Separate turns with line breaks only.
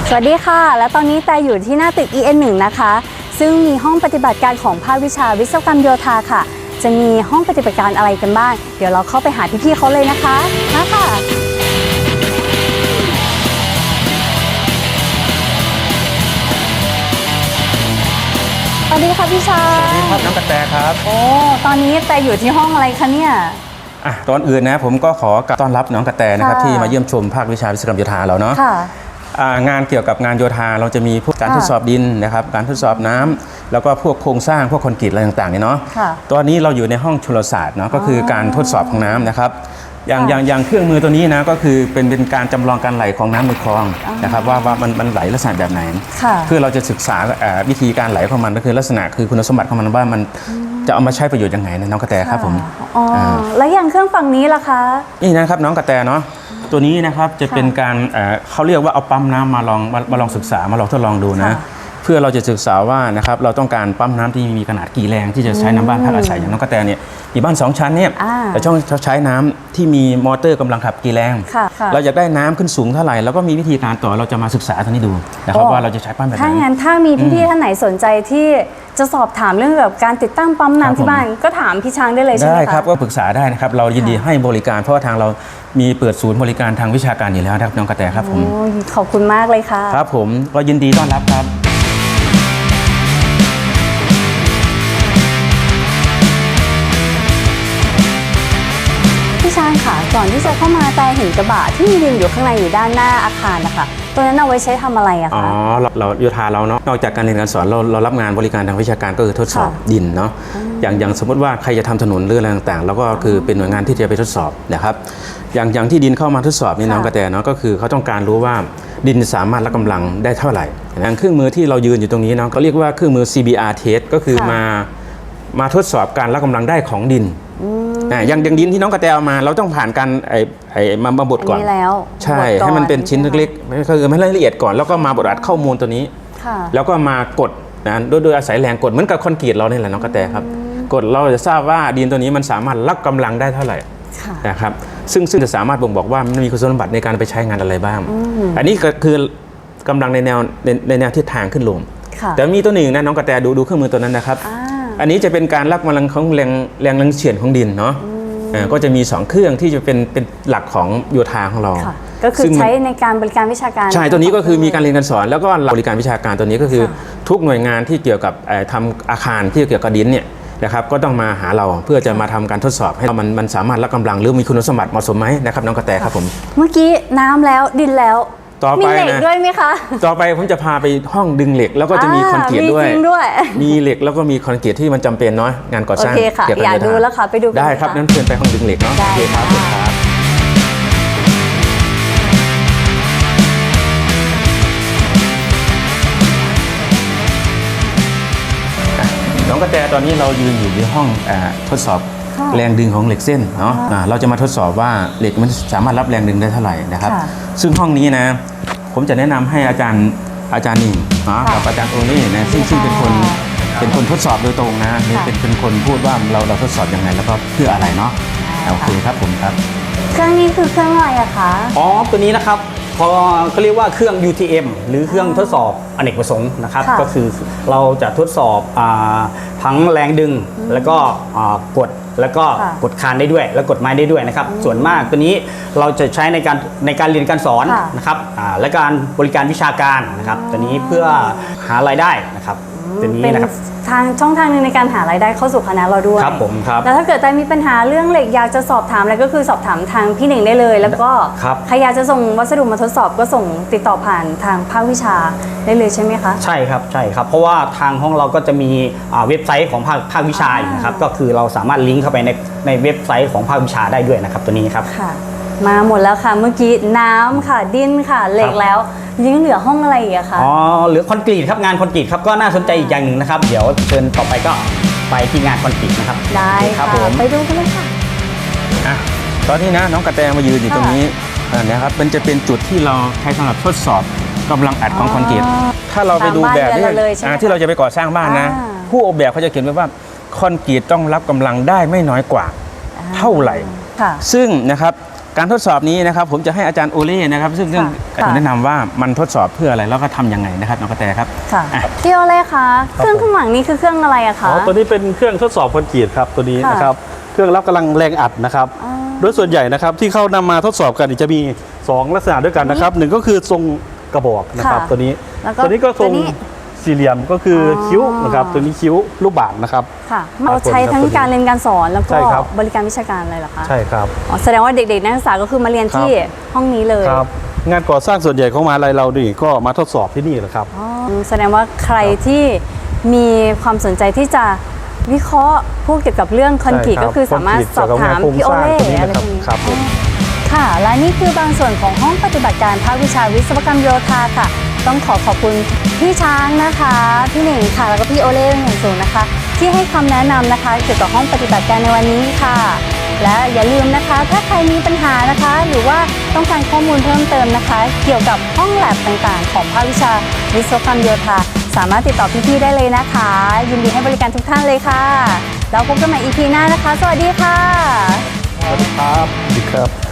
สวัสดีค่ะและตอนนี้แต่อยู่ที่หน้าตึก EN1 นะคะซึ่งมีห้องปฏิบัติการของภาควิชาวิศวกรรมโยธาค่ะจะมีห้องปฏิบัติการอะไรกันบ้างเดี๋ยวเราเข้าไปหาพี่ๆเขาเลยนะคะมาค่ะสวัสดีค่ะพี่ชาย
สวัสดีครับน้องกระแตครับ
โอ้ตอนนี้แต่อยู่ที่ห้องอะไรคะเนี่ย
ตอนอื่นนะผมก็ขอต้อนรับน้องกระแตนะครับที่มาเยี่ยมชมภาควิชาวิศวกรรมโยธาเราเนาะงานเกี่ยวกับงานโยธาเราจะมีพวกการทดสอบดินนะครับการทดสอบน้ำแล้วก็พวกโครงสร้างพวกคอนกรีตอะไรต่างๆเนี่ยเนาะตอนนี้เราอยู่ในห้องชลศาสตร์เนาะก็คือการทดสอบของน้ำนะครับอย่างเครื่องมือตัวนี้นะก็คือเป็นการจำลองการไหลของน้ำในคลองนะครับว่ามันไหลลักษณะแบบไหนเพื่อเราจะศึกษาวิธีการไหลของมันก็คือลักษณะคือคุณสมบัติของมันว่ามันจะเอามาใช้ประโยชน์ยังไงนะน้องกระแตครับผม
แล้วอย่างเครื่องฝั่งนี้ล่ะคะ
นี่นะครับน้องกระแตเนาะตัวนี้นะครับจะเป็นการเขาเรียกว่าเอาปั๊มน้ำมาลองศึกษามาลองทดลองดูนะเพื่อเราจะศึกษาว่านะครับเราต้องการปั๊มน้ำที่มีขนาดกี่แรงที่จะใช้น้ำบ้านพักอาศัยอย่างน้องกระแตเนี่ยมีบ้าน2 ชั้นเนี่ยเราต้องใช้น้ำที่มีมอเตอร์กำลังขับกี่แรงเราอยากได้น้ำขึ้นสูงเท่าไหร่แล้วก็มีวิธีการต่อเราจะมาศึกษาตัวนี้ดูนะครับว่าเราจะใช้ปั๊มแบบไหน
ถ้ามีพี่ๆท่านไหนสนใจที่จะสอบถามเรื่องแบบการติดตั้งปั๊มน้ำที่บ้านก็ถามพี่ช้างได้เลยใช่ไหมคะ
ได้ครับก็ปรึกษาได้นะครับเรายินดีให้บริการเพราะว่าทางเรามีเปิดศูนย์บริการทางวิชาการอยู่แล้วครับน้องกระแตครับผม
ขอบคุณมากเลยค่ะ
ครับผมก็ยินดีต้อนรับครับ
พี่ช้างค่ะก่อนที่จะเข้ามาแต่เห็นกระบะที่มีดินอยู่ข้างในอยู่ด้านหน้าอาคารนะคะตัวนั้นเอาไว้ใช้ทำอะไรอะคะ
เราโยธาเราเนาะนอกจากการเรียนการสอนเรารับงานบริการทางวิชาการก็คือทดสอบดินเนาะอย่างสมมติว่าใครจะทำถนนหรืออะไรต่างๆแล้วก็คือเป็นหน่วยงานที่จะไปทดสอบนะครับอย่างที่ดินเข้ามาทดสอบนี่น้องกระแตเนาะก็คือเขาต้องการรู้ว่าดินสามารถรับกำลังได้เท่าไหร่อย่างเครื่องมือที่เรายืนอยู่ตรงนี้เนาะก็เรียกว่าเครื่องมือ CBR test ก็คือมาทดสอบการรับกำลังได้ของดินอย่างดินที่น้องกระแตเอามาเราต้องผ่านการมาบดก่อนใช่ให้มันเป็นชิ้นเล็กๆคือให้ละเอียดก่อนแล้วก็มาบดอัดข้อมูลตัวนี้แล้วก็มากดนะโดยอาศัยแรงกดเหมือนกับคอนกรีตเราเนี่ยแหละน้องกระแตครับกดเราจะทราบว่าดินตัวนี้มันสามารถรับกำลังได้เท่าไหร่นะครับซึ่งจะสามารถบ่งบอกว่ามันมีคุณสมบัติในการไปใช้งานอะไรบ้างอันนี้ก็คือกำลังในแนวทิศทางขึ้นลงแต่มีตัวหนึ่งนะน้องกระแตดูเครื่องมือตัวนั้นนะครับอันนี้จะเป็นการรับกำลังของแรงเฉื่อยของดินเนาะก็จะมี2เครื่องที่จะเป็นหลักของโยธาของเรา
ก็คือใช้ในการบริการวิชาการ
ใช่ตัวนี้ก็คือมีการเรียนการสอนแล้วก็บริการวิชาการตัวนี้ก็คือทุกหน่วยงานที่เกี่ยวกับทำอาคารที่เกี่ยวกับดินเนี่ยนะครับก็ต้องมาหาเราเพื่อจะมาทำการทดสอบให้มันสามารถรับกำลังหรือมีคุณสมบัติเหมาะสมไหมนะครับน้องกระแตครับผม
เมื่อกี้น้ำแล้วดินแล้ว
มี
เหล็กด้วยไหมคะ
ต่อไปผมจะพาไปห้องดึงเหล็กแล้วก็จะมีคอนกรีตด้วยมีเหล็กแล้วก็มีคอนกรีตที่มันจำเป็นเนาะงานก่อสร้าง
โอเคค่ะอยากดูแล้วค่ะไปดู
ได้ครับนั้นเชิญไปห้องดึงเหล็กเนาะโอเคครับน้องกระแตตอนนี้เรายืนอยู่ในห้องทดสอบแรงดึงของเหล็กเส้นเนาะเราจะมาทดสอบว่าเหล็กมันสามารถรับแรงดึงได้เท่าไหร่นะครับซึ่งห้องนี้นะผมจะแนะนำให้อาจารย์นิ่งกับอาจารย์โอนี่นะซึ่งเป็นคนทดสอบโดยตรงนะเป็นคนพูดว่าเราทดสอบยังไงแล้วก็เพื่ออะไรเนาะโอเคครับผมครับ
เครื่องนี้คือเครื่องอะไรอะคะ
ตัวนี้นะครับเขาเรียกว่าเครื่อง UTM หรือเครื่องทดสอบอเนกประสงค์นะครับก็คือเราจะทดสอบทั้งแรงดึงแล้วก็กดแล้วก็กดคานได้ด้วยแล้วกดไม้ได้ด้วยนะครับส่วนมากตัวนี้เราจะใช้ในการเรียนการสอนนะครับและการบริการวิชาการนะครับตัวนี้เพื่อหารายได้นะครับตัวนี้นะครับ
ช่องทางนึงในการหารายได้เข้าสู่คณะเราด้วย
ครับผมครับ
แล้วถ้าเกิดมีปัญหาเรื่องเหล็กอยากจะสอบถามอะไรก็คือสอบถามทางพี่เน่งได้เลยแล้วก็ใครอยากจะส่งวัสดุมาทดสอบก็ส่งติดต่อผ่านทางภาควิชาได้เลยใช่ไหมคะ
ใช่ครับเพราะว่าทางห้องเราก็จะมีเว็บไซต์ของภาควิชาอยู่นะครับก็คือเราสามารถลิงก์เข้าไปในเว็บไซต์ของภาควิชาได้ด้วยนะครับตัวนี้ครับ
ค่ะมาหมดแล้วค่ะเมื่อกี้น้ำค่ะดินค่ะเหล็กแล้วยังเหลือห้องอะไรอีกอะคะ
เหลือคอนกรีตครับงานคอนกรีตครับก็น่าสนใจอีกอย่างหนึ่งนะครับเดี๋ยวเชิญต่อไปก็ไปที่งานคอนกรีตนะครับ
ได้ค่ะไปดูกันเลยค่ะ
ตอนนี้นะน้องกระแตมายืนอยู่ตรงนี้นะครับมันจะเป็นจุดที่เราใช้สำหรับทดสอบกำลังอัดของคอนกรีตถ้าเราไปดูแบบที่เราจะไปก่อสร้างบ้านนะผู้ออกแบบเขาจะเขียนไว้ว่าคอนกรีตต้องรับกำลังได้ไม่น้อยกว่าเท่าไหร่ซึ่งนะครับการทดสอบนี้นะครับผมจะให้อาจารย์โอเล่นะครับซึ่ง
ค่ะ
แนะนำว่ามันทดสอบเพื่ออะไรแล้วก็ทำยังไงนะครับน้องกระแตครับ
ค่ะพี่โอเล่คะเครื่องข้างหลังนี้คือเครื่องอะไรอะคะ
ตัวนี้เป็นเครื่องทดสอบคอนกรีตครับตัวนี้
ค่ะ
นะครับเครื่องรับกำลังแรงอัดนะครับ
อ๋อ
โดยส่วนใหญ่นะครับที่เขานำมาทดสอบกันจะมี 2 ลักษณะด้วยกันนะครับหนึ่งก็คือทรงกระบอกนะครับ
ค่ะ
ตัวนี้
แล้วก็
ตัวนี้ก็ทรง
ตัวนี้
สี่เหลี่ยมก็คืออ
อ
คิ้วนะครับตัวนี้คิ้วรูปบาศก์นะครับ
ค่ะเราใช้ทั้งการเรียนการสอนแล้วก็
ใช่ครับ
บริการวิชาการเลยเหรอคะ
ใช่ครับ
อ๋อแสดงว่าเด็กๆนักศึกษาก็คือมาเรียนที่ห้องนี้เลย
ครับงานก่อสร้างส่วนใหญ่ของมหาลัยเรานี่ก็มาทดสอบที่นี่แหละครับ
อ๋อแสดงว่าใครที่มีความสนใจที่จะวิเคราะห์พูดเกี่ยวกับเรื่องคอนกรีต
ใช่ครับ
ก็คือสามารถสอบถาม
คอนกรีต
พี่โอเล่
เกี่ยวกับงานโครงสร้างตัวนี้
อะไร
นะ
พวกนี้
ครับผม
ค่ะ และนี่คือบางส่วนของห้องปฏิบัติการภาควิชาวิศวกรรมโยธาค่ะ ต้องขอบคุณพี่ช้างนะคะ พี่หนิงค่ะ แล้วก็พี่โอเล่เป็นอย่างสูงนะคะ ที่ให้คำแนะนำนะคะ เกี่ยวกับห้องปฏิบัติการในวันนี้ค่ะ และอย่าลืมนะคะ ถ้าใครมีปัญหานะคะ หรือว่าต้องการข้อมูลเพิ่มเติมนะคะ เกี่ยวกับห้องแลบต่างๆ ของภาควิชาวิศวกรรมโยธาสามารถติดต่อพี่ๆได้เลยนะคะ ยินดีให้บริการทุกท่านเลยค่ะแล้วพบกันใหม่ EP หน้านะคะ สวัสดีค่ะ
สวัสดีครับสวัสดีครับ